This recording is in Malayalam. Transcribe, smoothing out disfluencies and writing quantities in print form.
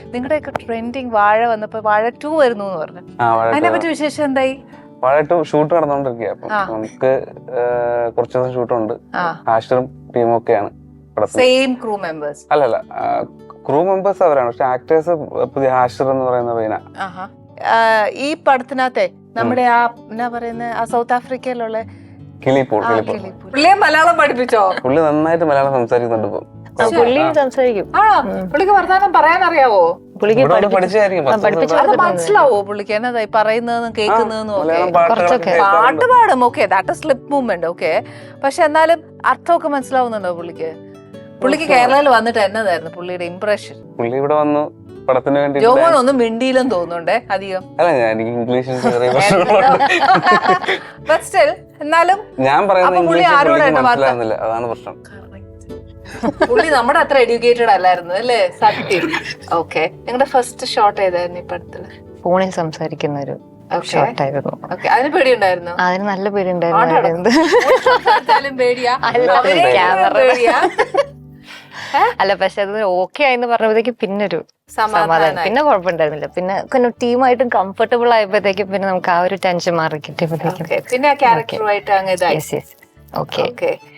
നിങ്ങളുടെയൊക്കെ ട്രെൻഡിങ് വാഴ വന്നപ്പോ വാഴ 2 വരുന്നു എന്ന് പറഞ്ഞു. അതിനെ പറ്റി വിശേഷം എന്തായി? വാഴ 2 ഷൂട്ട് നടന്നുകൊണ്ടിരിക്കുക. അപ്പൊ നമുക്ക് കുറച്ച് ദിവസം ഷൂട്ടുണ്ട്. ഹാഷിറും ടീമും ഒക്കെയാണ്. Same crew members? അല്ലല്ല, ക്രൂ മെമ്പേഴ്സ് അവരാണ്. പക്ഷെ ആക്ടേഴ്സ് പുതിയ ഹാഷിർ എന്ന് പറയുന്ന പയ്യന. ഈ പടത്തിനകത്തെ നമ്മുടെ ആ എന്നാ പറയുന്ന ആ സൗത്ത് ആഫ്രിക്കയിലുള്ള കിളിപ്പോൾ പുള്ളിയെ മലയാളം പഠിപ്പിച്ചോ? പുള്ളി നന്നായിട്ട് മലയാളം സംസാരിക്കുന്നുണ്ട് ഇപ്പൊ. സംസാരിക്കും. പുള്ളിക്ക് വർത്താനം പറയാൻ അറിയാവോ? പഠിച്ചായിരിക്കും. മനസ്സിലാവോ പുള്ളിക്ക് എന്നതായി പറയുന്നതെന്നും കേൾക്കുന്നതെന്നും ഒക്കെ? പാട്ട് പാടും, okay, that is lip movement, okay. പക്ഷെ എന്നാലും അർത്ഥമൊക്കെ മനസ്സിലാവുന്നുണ്ടോ പുള്ളിക്ക്? പുള്ളിക്ക് കേരളയിൽ വന്നിട്ട് എന്നതായിരുന്നു പുള്ളിയുടെ ഇംപ്രഷൻ? പുള്ളി ഇവിടെ വന്നു പടത്തിന് വേണ്ടി. ജോമോൻ ഒന്നും മിണ്ടിയില്ലെന്ന് തോന്നുന്നുണ്ടേ അധികം. അല്ല, എനിക്ക് ഇംഗ്ലീഷ് എന്നാലും ഞാൻ പറയുന്നത് അതാണ് പ്രശ്നം. പുള്ളി നമ്മുടെ അത്ര എഡ്യൂക്കേറ്റഡ് അല്ലായിരുന്നു അല്ലേ? സത്യം. ഓക്കെ, നിങ്ങളുടെ ഫസ്റ്റ് ഷോട്ട് ഏതായിരുന്നു ഈ പടത്തില്? ഫോണിൽ സംസാരിക്കുന്ന ഒരു ഷോട്ടായിരുന്നു. അതിന് പേടിയുണ്ടായിരുന്നു? അതിന് നല്ല പേടിയുണ്ടായിരുന്നു. പേടിയാ? അല്ല, പക്ഷെ അത് ഓക്കെ ആയെന്ന് പറഞ്ഞപ്പോഴത്തേക്ക് പിന്നൊരു സമാധാനം, പിന്നെ കുഴപ്പമുണ്ടായിരുന്നില്ല. പിന്നെ ടീമായിട്ടും കംഫർട്ടബിൾ ആയപ്പോഴത്തേക്കും പിന്നെ നമുക്ക് ആ ഒരു ടെൻഷൻ മാറി കിട്ടിയപ്പോഴത്തേക്കും പിന്നെ ആ ക്യാരക്ടറുമായിട്ട് ഓക്കെ.